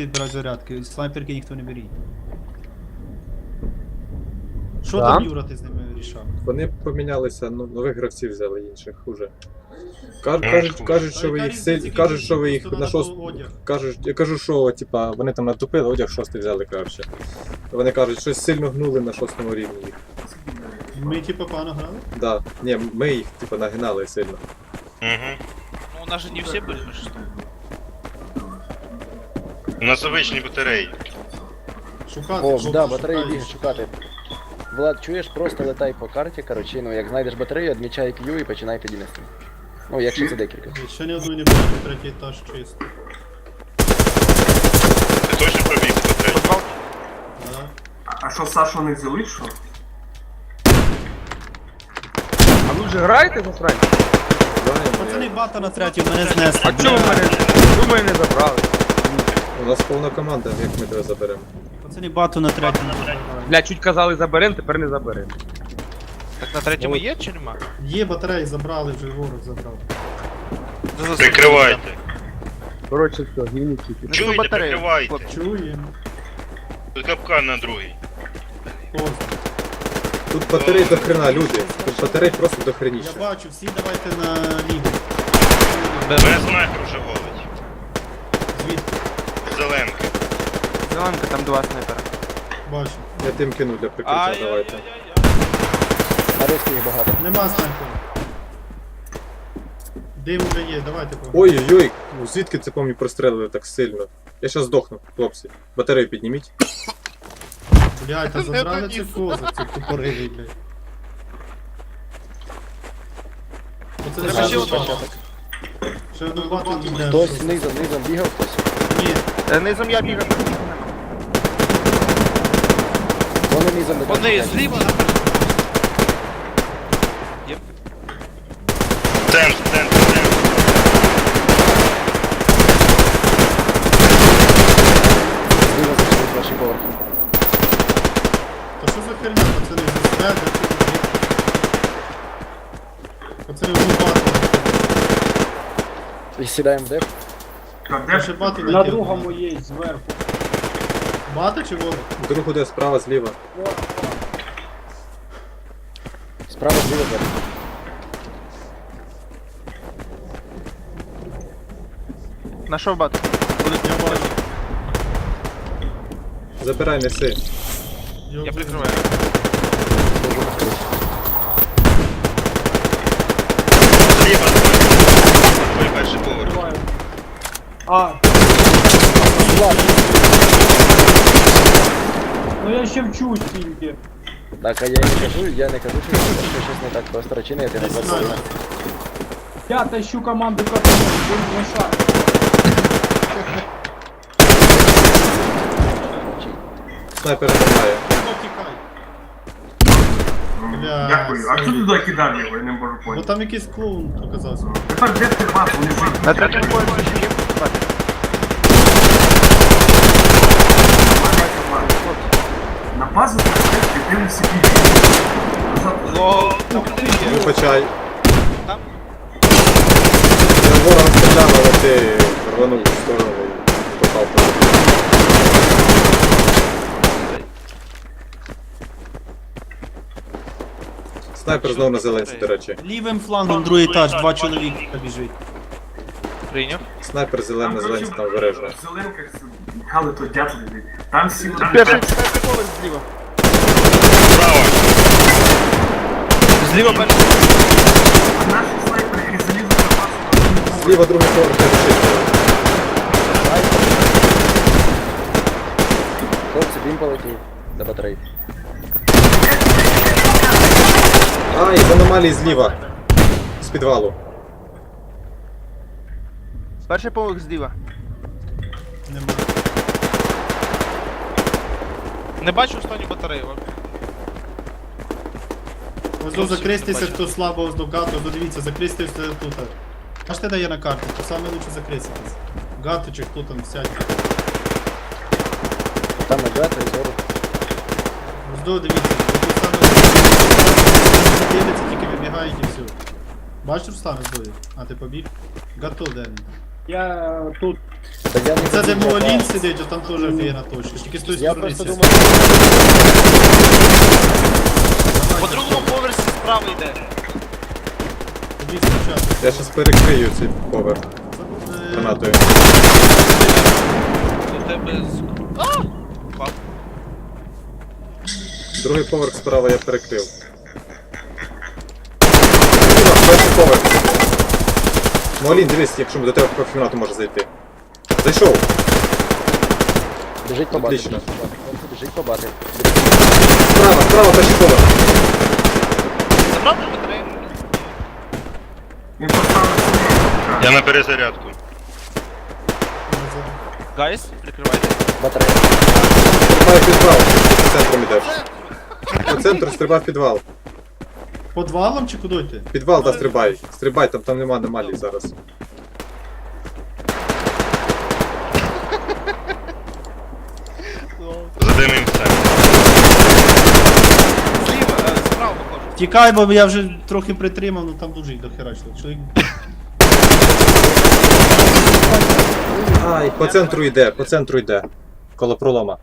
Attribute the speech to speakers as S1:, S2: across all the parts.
S1: йти брати зарядки, снайперки ніхто не беріть. Що
S2: Да?
S1: там, Юра, ти з ними рішав?
S3: Вони помінялися, ну, нових гравців взяли інших уже. Кажуть, що ви їх кажуть, що ви їх на я кажу, що типа вони там натупили, одяг 6 взяли краще. Вони кажуть, щось сильно гнули на 6 рівні їх.
S1: Ми типа погано грали?
S3: Да. Ні, ми їх типа нагинали сильно.
S4: Угу.
S5: Ну, у нас же не все были, мы что?
S4: У нас обичні батареї.
S1: Шукати,
S2: О,
S1: хлопці,
S2: да, батареї
S1: шукають.
S2: бігають шукати. Влад, чуєш, просто летай по карті, коротше, ну як знайдеш батарею, відмічай Q і починай піднімати. Ну, якщо це декілька.
S1: Ще ні одної не бачу, третій етаж чисто.
S4: Ти точно пробіг по третій?
S1: Да.
S6: А що, Сашу не взяли, що?
S7: А ви вже граєте за срань?
S1: Пацани, бата на третій, мене знесли.
S7: А чого ви мене? Ви мене не забрали?
S3: У нас повна команда, як ми тебе заберемо.
S1: Пацани, бату на третій.
S7: Бля, чуть казали заберем, тепер не заберем.
S5: Так на третьому є чи нема?
S1: Є батареї, забрали, вже ворог забрав.
S4: Прикривайте.
S7: Коротше, все, гівнюки.
S4: Чуєте, прикривайте.
S1: Чуємо.
S4: Тут капкан на другий.
S1: Поздно.
S3: Тут батарей до хрена, люди. Тут батарей просто до
S1: Я
S3: хреніше.
S1: бачу, всі давайте на ліву.
S4: Мене снайпер вже голить.
S1: Звідки?
S4: Зеленка.
S7: Зеленка, там два снайпера.
S1: Бачу.
S3: Я тим кину для прикриття, давайте.
S2: На русських їх багато.
S1: Нема снайпера. Дим вже є, давайте по.
S3: Ой-ой-ой, ну звідки це по мені прострелили так сильно? Я щас здохну, хлопці. Батарею підніміть.
S1: Блядь, та забрали цих козак, цих тупорилий, блядь. Оце
S5: Треба ще
S1: одну
S5: одного.
S1: бату. Ще одну бату йде.
S2: Хтось низом бігав, хтось.
S1: Ні,
S7: Низом я бігав.
S2: Вони низом не
S5: Вони
S2: бачать.
S5: зліва на
S4: Центр, центр, центр.
S2: Зліва зайшли з ваших поверхів.
S1: та що за херня, пацани, засвят, де це буде? Пацани, одну бату.
S2: І сідаємо в деп.
S6: Так,
S1: Я ще бату
S8: На
S1: накинув.
S8: другому є зверху.
S1: Бата чи ворог?
S3: Другу де справа, зліва.
S2: Справа зліва деп.
S7: Нашов бат.
S1: Я бачу.
S3: Забирай, неси.
S5: Я прикриваю.
S4: Зліва. Твій перший поверх.
S8: А. Ну я ще вчусь тільки.
S2: Так, а я не кажу, що щось не так просто речини, ти не
S1: Не знаю.
S2: працюєш.
S8: Я тащу команду катану, будь на шаг.
S3: Снайпера немає.
S1: Ну, тікай. Бля,
S6: Дякую. А хто туди кидав його, я не можу
S1: Бо
S6: поняти.
S1: там якийсь клоун оказався.
S6: Тепер де ти вас, вони живуть.
S7: На третьому поверсі ще є бат.
S6: На базу ти дивишся більше.
S5: Ло, там не є.
S3: Вибачай.
S5: Там
S3: Я ворога стріляв, але ти рванув в сторону і попав. Снайпер знову на зеленці, до речі.
S1: Лівим флангом другий етаж, два чоловіка біжить.
S5: прийняв.
S3: Снайпер зелений на зеленці там обережно.
S6: В зеленках Михайло то дятли. Там сіли.
S7: Перший поверх зліва.
S4: Право.
S5: Зліва перший.
S6: А наші снайпери і залізли на базу.
S3: Зліва другий поверх решить.
S2: Хлопці, він полетів до батареї.
S3: Ай, з аномалії зліва. З підвалу.
S7: Перший поверх зліва.
S1: Нема.
S5: Не бачу останню батарею.
S1: Ось до закристися, хто слабо ось до гату, дивіться, закристися тут. Бачите, де є на карті, то саме лучше закриститись. Гату чи хто там сядь.
S2: Там нагата і зору.
S1: Ось до, дивіться, тут саме дивиться, тільки вибігають і все. Бачиш, Руслан, ось до? А ти побіг? Гато, де він?
S8: Я тут
S2: Та я не
S1: Це де
S2: забіг,
S1: Муалін
S2: я-
S1: сидить, а там теж офігенна точка. Тільки з тої
S2: Я
S1: сторони
S2: просто
S1: сі-
S2: думав,
S5: По другому поверсі справа йде.
S1: Тобі спочатку.
S3: Я щас перекрию цей поверх гранатою.
S5: До тебе з... А! Впав.
S3: Другий поверх справа я перекрив. Перший поверх. Молін, дивись, якщо до тебе по кімнату може зайти. Зайшов.
S2: біжить по бати.
S3: Отлично.
S2: Біжить по бати.
S3: Справа, справа, перший поверх.
S5: Забрав ти батарею?
S6: Він поставив собі.
S4: Я на перезарядку.
S5: Гайс, прикривайте.
S2: Батарея.
S3: Стрибай в підвал. Центром ідеш. По центру стрибай в підвал.
S1: Подвалом чи куди йти?
S3: Підвал, да, стрибай. Стрибай, там нема аномалій зараз.
S4: Задимимося.
S5: Зліва, справа походжу.
S1: Тікай, бо я вже трохи притримав, ну там дуже їх дохерачило. Чоловік.
S3: Ай, по центру йде. Коло пролома.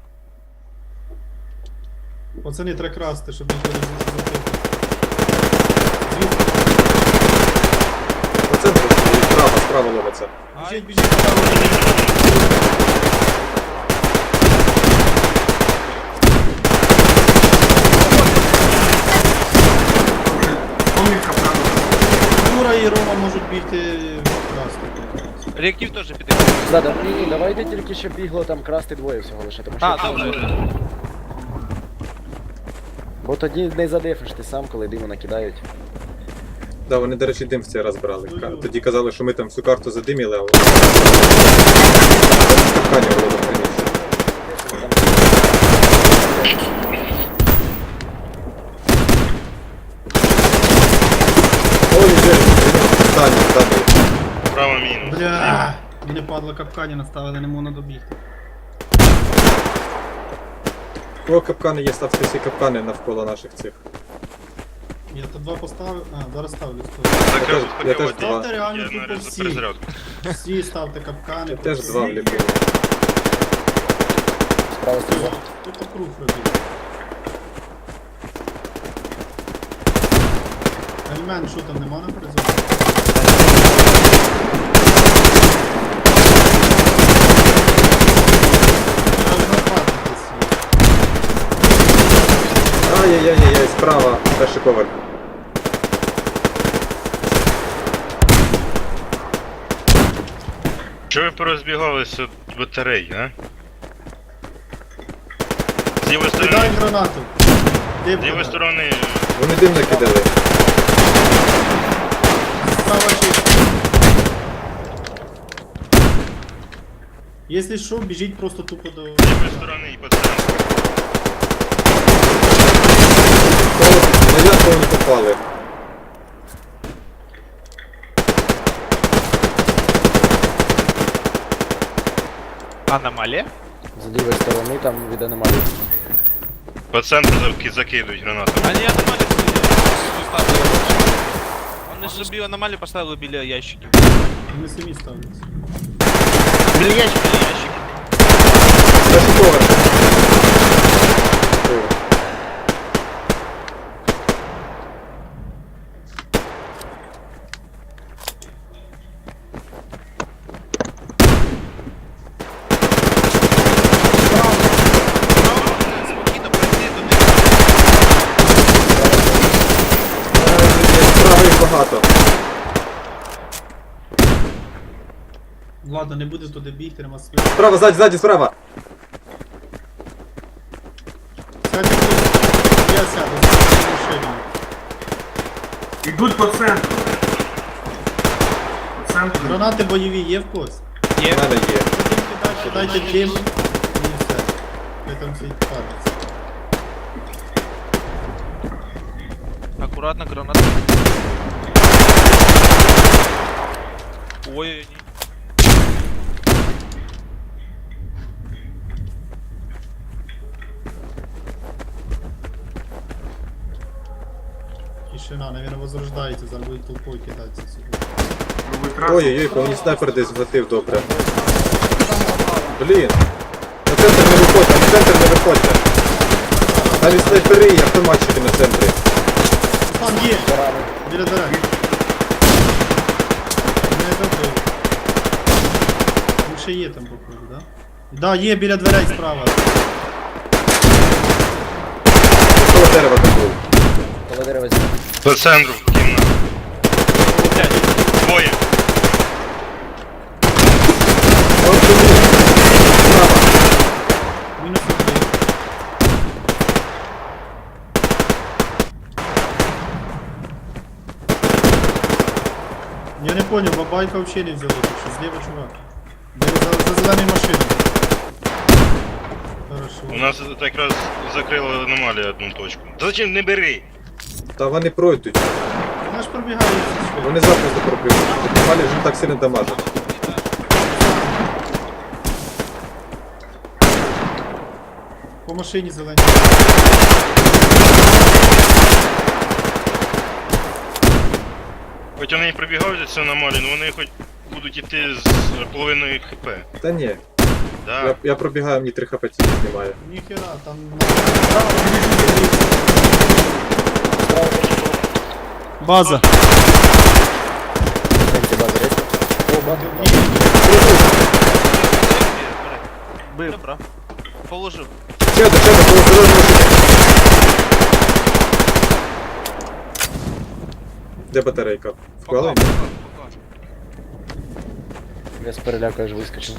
S1: Пацани, треба красти, щоб ніхто не закрити. Звідки?
S3: По центру і справа ловиться.
S1: Біжить, біжить, право.
S6: Помітка правда.
S1: Юра і Рома можуть бігти красти.
S5: Реактив теж піде.
S2: Да, ні, давайте тільки щоб бігло там красти двоє всього лише, тому що...
S5: А, добре.
S2: Бо тоді не задефиш ти сам, коли диму накидають.
S3: Да, вони, до речі, дим в цей раз брали. Тоді казали, що ми там всю карту задиміли, а вони... Капкані було заприніше. Ой, здання.
S4: Право мінус.
S1: Бля, мене падла капкані наставили, не можна добігти.
S3: О, капкани є, ставте всі капкани навколо наших цих.
S1: Я то два поставив, зараз ставлю.
S3: Я теж два.
S1: Ставте реально
S4: Я
S1: тупо
S4: на
S1: всі.
S4: перезарядку.
S1: Всі ставте капкани.
S3: Теж два вліпив.
S2: Справа стріла.
S1: Тупо круг робіть. Ельмен, що там, нема на призові?
S3: Ай-яй-яй-яй, справа, перший поверх.
S4: Чого ви порозбігалися від батарей, а? З лівої
S1: Кидай
S4: сторони.
S1: гранату.
S4: З лівої сторони.
S3: Вони дим накидали.
S1: Справа чисто. Якщо що, біжіть просто тупо до...
S4: З лівої сторони і по центру.
S3: На ясно вони попали.
S5: Аномалія?
S2: З лівої сторони там від аномалії.
S4: По центру закидують гранатами.
S5: Они аномалии поставили. Вони собі аномалію поставили біля ящиків.
S1: Вони самі ставляться.
S5: Біля ящиків.
S3: Перший поверх.
S5: Спокійно пройти до них.
S3: Справа їх багато.
S1: Ладно, не буде туди бігти, нема світу.
S3: Справа, ззаді, справа.
S1: Сядьте тут. Я сяду, за машину.
S6: Ідуть по центру. По центру.
S1: Гранати бойові є в когось?
S3: У
S5: Є.
S3: мене є.
S1: Кидайте дим і все. Ви там всі париться.
S5: Аккуратно, граната. Ой, ні.
S1: Тишина, наверное, возрождається, зараз будуть толпою кидатися сюди.
S6: Ви витратили.
S3: Ой-ой-ой, по мені снайпер десь влетив добре. Блін. На центр не виходьте, на центр не виходьте. Навіть снайпери і автоматчики на центрі.
S1: Там є!
S2: Поранений.
S1: Біля дверей. Не добив. Він ще є там походу, да? Да, є біля дверей справа.
S3: Коло дерева там був.
S2: Коло дерева зняв.
S4: По центру кімната. Двоє.
S3: Ось туди. Справа.
S1: Мінус один. Я не понял, бабайка вообще не взяла, так що зліва чувак. За зеленою машиною.
S4: У
S1: Хорошо.
S4: нас якраз закрила аномалія одну точку. Та зачем не бери?
S3: Та вони пройдуть.
S1: Вона ж пробігає все швидко.
S3: Вони запросто проб'ють. Малі вже не так сильно дамажать.
S1: По машині зелені.
S4: Хоч вони і прибігають за цю аномалію, але вони хоч будуть іти з половиною хп.
S3: Та ні.
S4: Да.
S3: Я пробігаю, мені 3 хп тільки знімає.
S1: Ніхера, там... База.
S2: Центрі бази рейс. О, бази.
S5: Бив. Добре. Положив.
S3: Ще один, коло зеленої машини. Де батарейка? Вклала?
S5: Поклав.
S2: Я з переляку аж вискочив.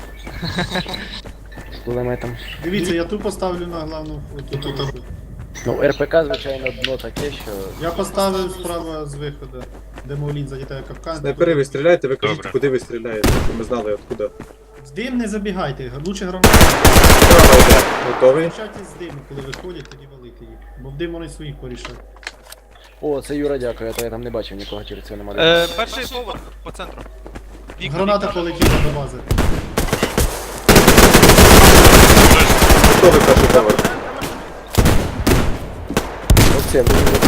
S2: З кулеметом.
S1: Дивіться, я ту поставлю на главну... Тут.
S2: Ну, РПК, звичайно, дно таке, що...
S1: Я поставив справа з виходу, де Маулін залітає капкан.
S3: Снайпери, ви стріляєте, ви кажіть,
S4: Добре.
S3: куди ви стріляєте, щоб ми знали откуда.
S1: З дим не забігайте, лучше гранати.
S3: Справа йде. Готовий?
S1: Включайте з диму, коли виходять, тоді валити їх. Бо в дим вони своїх порішають.
S2: О, це Юра, дякую, а то я там не бачив нікого через цю аномалію.
S5: Перший поверх по центру. Вікна,
S1: Граната
S5: вікна.
S1: полетіла до бази.
S3: Готовий перший поверх.
S2: Оце,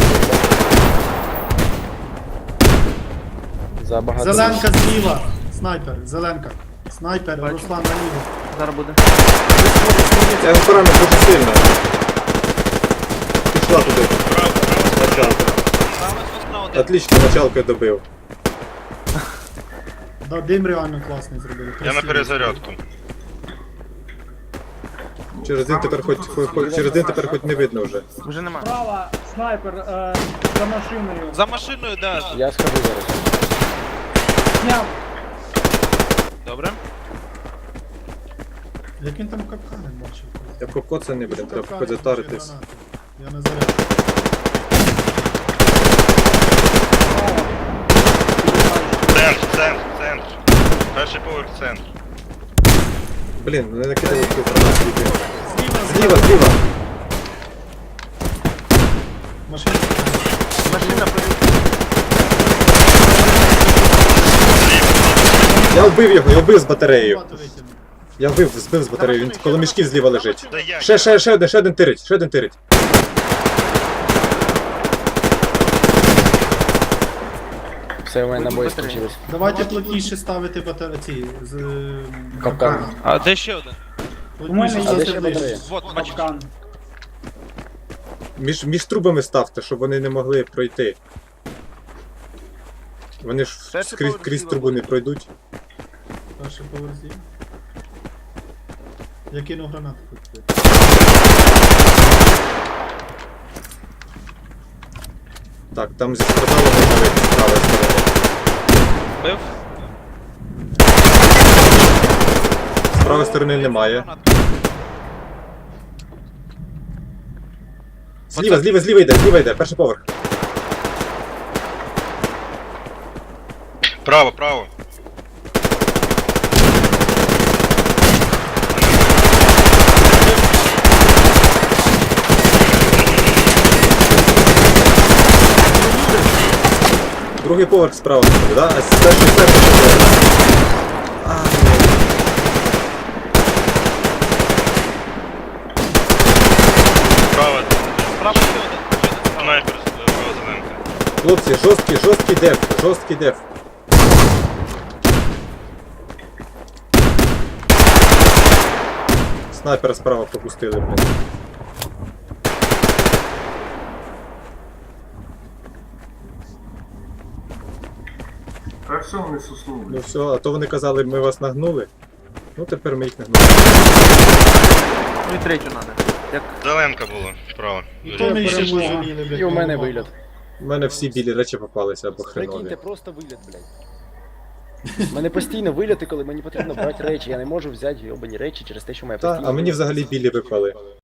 S2: забагато.
S1: Зеленка зліва! Снайпер, зеленка. Снайпер, Руслан наліво.
S7: Зараз буде.
S3: Я його поранив дуже сильно. Пішла туди. Началка.
S5: Справа, справа, один.
S3: Отлично, началкою добив.
S1: Да, дим реально класний зробили.
S4: Я на
S1: красивий.
S4: перезарядку.
S3: Через день тепер хоч не видно вже.
S7: Вже нема.
S8: Справа, снайпер за машиною.
S5: За машиною, да.
S2: Я схожу зараз.
S8: Зняв.
S5: Добре.
S1: Як він там капкани бачив?
S3: Я покоцаний, блін, треба
S1: Капкани,
S3: хоч затаритись.
S1: гранати. Я на заряд.
S4: Центр. Перший поверх центр.
S3: Блін, не накидали цю гранату.
S1: Зліва,
S3: Зліва.
S1: Машина.
S7: Машина
S3: Я вбив з батареєю.
S1: Багато витягнув.
S3: Я збив з батареєю, він коло мішків зліва лежить.
S4: Да я.
S3: Ще один тирить.
S2: Все, у мене набої скінчились.
S1: Давайте плотніше ставити батареї. З
S2: Капкан.
S5: А де ще один?
S1: Плотніше
S8: У мене є
S2: А де ще
S1: ставити ближче.
S2: батарея?
S5: Вот, бачиш.
S8: Капкан.
S3: Між трубами ставте, щоб вони не могли пройти. Вони ж
S7: Перший
S3: крізь
S7: поверх
S3: трубу не
S7: зліва
S3: пройдуть.
S1: Перший поверх зліва. Я кину гранату тут.
S3: Так, там зі спорталу можна вийти з правої сторони.
S5: Бив.
S3: З правої сторони немає. Зліва йде, перший поверх.
S4: Право.
S3: Другий поверх справа, да? А перший поверх.
S4: Право.
S5: Справа ще один.
S4: Снайпер. Право зеленка.
S3: Хлопці, жорсткий деф. Снайпера справа пропустили, блін.
S6: Та все, вони суснули.
S3: Ну все, а то вони казали, ми вас нагнули. Ну тепер ми їх нагнули.
S7: Ну і третю надо. Як
S4: Зеленка була справа.
S1: То ми ще
S2: перемога.
S1: пожаліли, блядь.
S2: І у мене
S1: голова.
S2: виліт.
S3: У мене всі білі речі попалися або
S2: Прикиньте,
S3: хренові.
S2: просто виліт, блядь. У мене постійно виліти, коли мені потрібно брати речі. Я не можу взяти йобані речі через те, що моя
S3: Та,
S2: постійно.
S3: а мені взагалі білі випали.